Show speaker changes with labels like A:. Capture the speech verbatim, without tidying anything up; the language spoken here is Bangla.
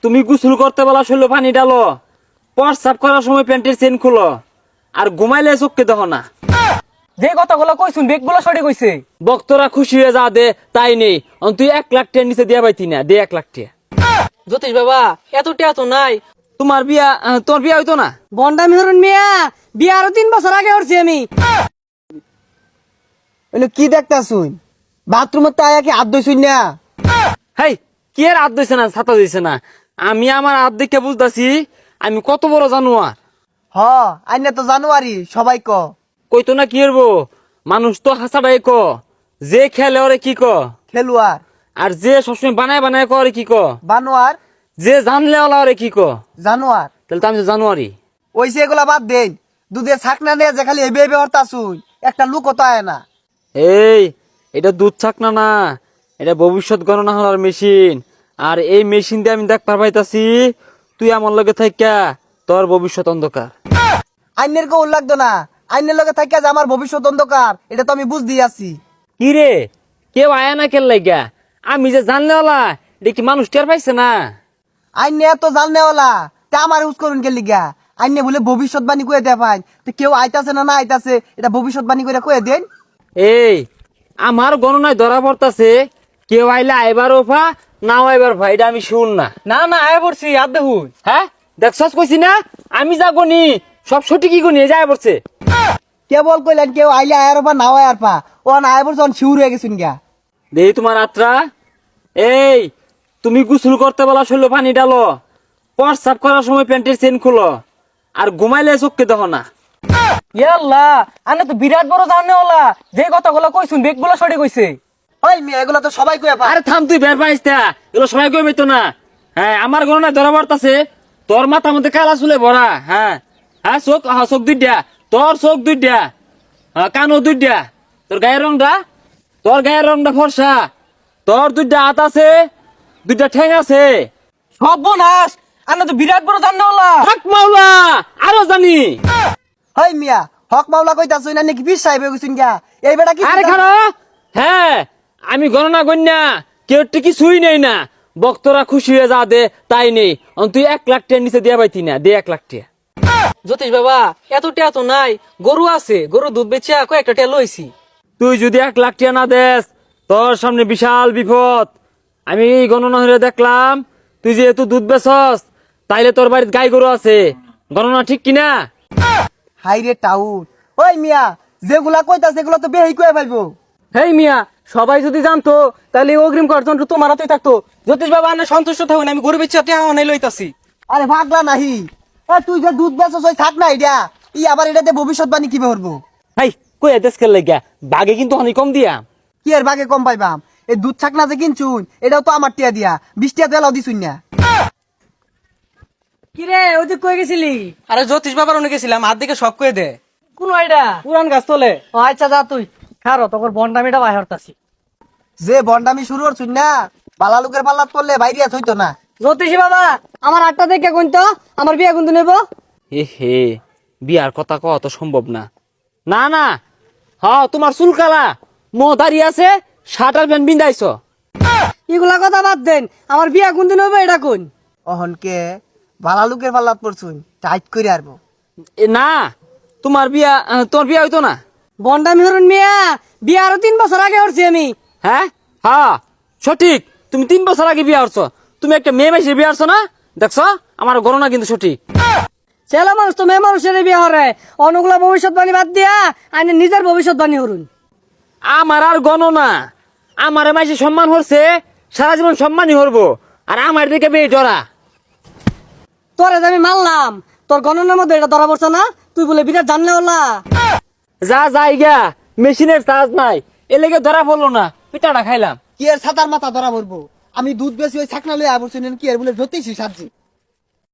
A: তুমি গোসল করতে বলা শরীরে পানি ডালো, প্রস্রাব করার সময় প্যান্টের চেন খুলো, আর ঘুমাইলে চোখকে দেখো না।
B: যে কথাগুলো কইছুন বেগগুলো সঠিক কইছে।
A: বক্তরা খুশি হয়ে যা দে তাই নেই, অন তুই এক লাখ টাকা নিচে দিয়া পাইতি না, দে এক লাখ টাকা।
B: জ্যোতিষ বাবা এত টিয়া তো নাই।
A: তোমার বিয়া আহ, তোমার বিয়া হইতো না?
B: বন্ডা মেহরুন মিয়া বিয়া আরো তিন বছর আগে করছি আমি।
C: কি দেখতাছুন? বাথরুমে তো আয়া কি হাত ধুইছুন না?
A: হেই, কি আর হাত দিছে না, ছাতা দিছে না? আমি আমার হাত দেখে বুঝতাছি আমি কত বড় জানোয়ার।
C: হ, আইনে তো জানুয়ারি সবাই ক।
A: কইতো না কি হবো, মানুষ তো হাসাটাই ক, যে খেলে ওরে কি ক,
C: খেলুয়ার
A: আর যে সবসময় বানায় বানায় করে কি ক,
C: বানোয়ার
A: যে জানলে ওলা ওরে কি ক।
C: জানোয়ার।
A: তাহলে তো আমি তো জানুয়ারি।
C: ওইসে এগুলা বাদ দেন, দুধের ছাকনা নিয়ে যে খালি এবে এবে হরতাছুন, একটা লুক তো আয় না।
A: এই, এটা দুধ ছাকনা না, এটা ভবিষ্যৎ গণনা হওয়ার মেশিন। আর এই মেশিন দিয়ে আমি দেখ পারবাইতাছি তুই আমার লগে থাইকা তোর ভবিষ্যৎ অন্ধকার।
C: আইনের কৌল লাগতো না, আইনের লগে থাকিয়া যে আমার ভবিষ্যৎ অন্ধকার এটা তো আমি বুঝদি আছি।
A: কি রে, কেউ আয়া না কেন লাগা? আমি যে জানলে ওলা এটা কি মানুষ টের পাইছে না?
C: আইনে এত জাননে ওলা তা আমার ইউজ করুন কে লিগা? আইনে বলে ভবিষ্যৎবাণী কয়ে দেয় পাই, তো কেউ আইতাছে না না আইতাছে এটা ভবিষ্যৎবাণী করে কয়ে দেন।
A: এই, আমার গণনায় ধরা পড়তাছে কেউ আইলে আইবার ওফা, নাও আইবার ভাই, এটা আমি শুন না।
B: না না আয় পড়ছি আর দেখুন।
A: হ্যাঁ, দেখছস কইছি না আমি যা গনি সব সঠিকই গনি, এই যায় পড়ছে।
C: কেবল কইলেন কেউ আইলে আয়ার পা নাও আয়ার পা, ও না আয় পড়ছে শিউর হয়ে গেছুন গা।
A: দেই তোমার আত্রা। এই, তুমি গোসল করতে বলা শরীরে পানি ডালো, প্রস্রাব করার সময় প্যান্টের চেন খুলো, আর ঘুমাইলে চোখকে দেখো না।
B: ইয়াল্লা আনে তো বিরাট বড় জানে ওলা, যে কথাগুলো কইছুন বেগগুলো সঠিক কইছে।
C: ওই মেয়ে এগুলা তো সবাই কয়ে পায়।
A: আরে থাম, তুই বের পাইস না, এগুলো সবাই কইবে তো না। হ্যাঁ, আমার গণনায় ধরা পড়তাছে তোর মাথার মধ্যে কালা চুলে ভরা। হ্যাঁ হ্যাঁ, চোখ, হ্যাঁ চোখ দুইটা, তোর চোখ দুইটা, হ্যাঁ কানও দুইটা, তোর গায়ের রংটা, তোর গায়ের রংটা ফর্সা, তোর দুইটা হাত আছে, দুইটা ঠ্যাং আছে।
B: সর্বনাশ, আনে তো বিরাট বড় জানে ওলা।
A: থাক মাওলা, আরো জানি।
C: ওই মিয়া হক মাওলা কইতাছুন না নাকি পীর সাহেব হয়ে গেছুন গা? এই বেটা কি
A: আরে খারো, হ্যাঁ আমি গণনা গণ্যা কেউ কি ছুই নেই না, বক্তরা খুশি হয়ে যা দে তাই নেই, অন তুই এক লাখ টাকা নিচে দিয়া পাইতি না, দে এক লাখ টাকা।
B: জ্যোতিষ বাবা এত টিয়া তো নাই, গরু আছে, গরু দুধ বেচিয়া কয়েকটা টিয়া লইছি।
A: তুই যদি এক লাখ টাকা না দেস তোর সামনে বিশাল বিপদ। আমি এই গণনা হয়ে দেখলাম তুই যেহেতু দুধ বেচস তাইলে তোর বাড়িতে গাই গরু আছে, গণনা ঠিক কিনা?
C: হাই রে টাউট। ওই মিয়া যেগুলা কইতাছে এগুলা তো বেহি কয়ে পাইবো।
B: হেই মিয়া, সবাই যদি জানতো তাহলে এই অগ্রিম কার্যন তোমার হাতেই থাকতো। জ্যোতিষ বাবা আনে সন্তুষ্ট থাকুন, আমি গরু বেচিয়া টিয়া অনেক লইতাছি।
C: আরে ভাগলা নাহি, এ তুই যে দুধ বেচছ ওই থাক না এটা, ই আবার এটাতে ভবিষ্যৎবাণী কি করবো?
A: হাই কই দেশ খেল লাগিয়া, বাঘে কিন্তু অনেক কম দিয়া।
C: কি এর ভাগে কম পাইবাম? এই দুধ ছাক না যে কিনছুন এটাও তো আমার টিয়া দিয়া, বিশ টিয়া তেলাও দিছুন না।
B: কিরে ওই তুই কই গেছিলি? আরে জ্যোতিষ বাবার অনেক গেছিলাম, হাত দিকে সব কয়ে দে। কোন আইডা? পুরান গাছ তোলে। ও আচ্ছা যা তুই খারো, তোর বন্ডামিটা বাহির হতাছি।
C: যে বন্ডামি শুরু করছুন না, বালা লোকের পাল্লাত পড়লে বাইরিয়া থইতো না।
B: জ্যোতিষী বাবা আমার আটটা দেখে কোন তো আমার বিয়ে কিন্তু নেব।
A: এ হে, বিয়ার কথা কওয়া তো সম্ভব না। না না, হ্যাঁ তোমার চুল কালা, মো দাঁড়িয়ে আছে, শার্টার প্যান্ট বিন্দাইছ।
B: এগুলা কথা বাদ দেন, আমার বিয়ে কোন দিন হবে এটা কোন?
C: অহনকে বালা লোকের পাল্লাত পড়ছুন, টাইট করে আরবো।
A: এ না, তোমার বিয়া আহ, তোমার বিয়া হইতো না।
B: বন্ডামি হরুন মিয়া, বিয়ে আরো তিন বছর আগে করছি আমি।
A: হ্যাঁ হ্যাঁ সঠিক, তুমি তিন বছর আগে বিয়া হচ্ছ। তুমি একটা মেয়ে মাইসে বিয়া হচ্ছ না, দেখছ? আমার গণনা কিন্তু সঠিক।
B: ছেলে মানুষ তো মেয়ে মানুষের বিয়ে হরে, অনুগুলা ভবিষ্যৎবাণী বাদ দিয়া আইনে নিজের ভবিষ্যৎবাণী হরুন।
A: আমার আর গণনা, আমার মাইসে সম্মান হচ্ছে, সারা জীবন সম্মানই হরবো, আর আমার দিকে বেয়ে ডরা।
B: তোরে যে আমি মানলাম, তোর গণনার মধ্যে এটা ধরা পড়ছে না? তুই বলে বিরাট জানলে ওলা।
A: যা যাই গা, মেশিনের চার্জ নাই, এ লেগে ধরা পড়লো না, পিঠাটা খাইলাম।
C: কি এর ছাতার মাথা ধরা পড়বো? আমি দুধ বেশি ওই ছাকনা লই আবরছুন কি এর বলে জ্যোতিষী সাজি।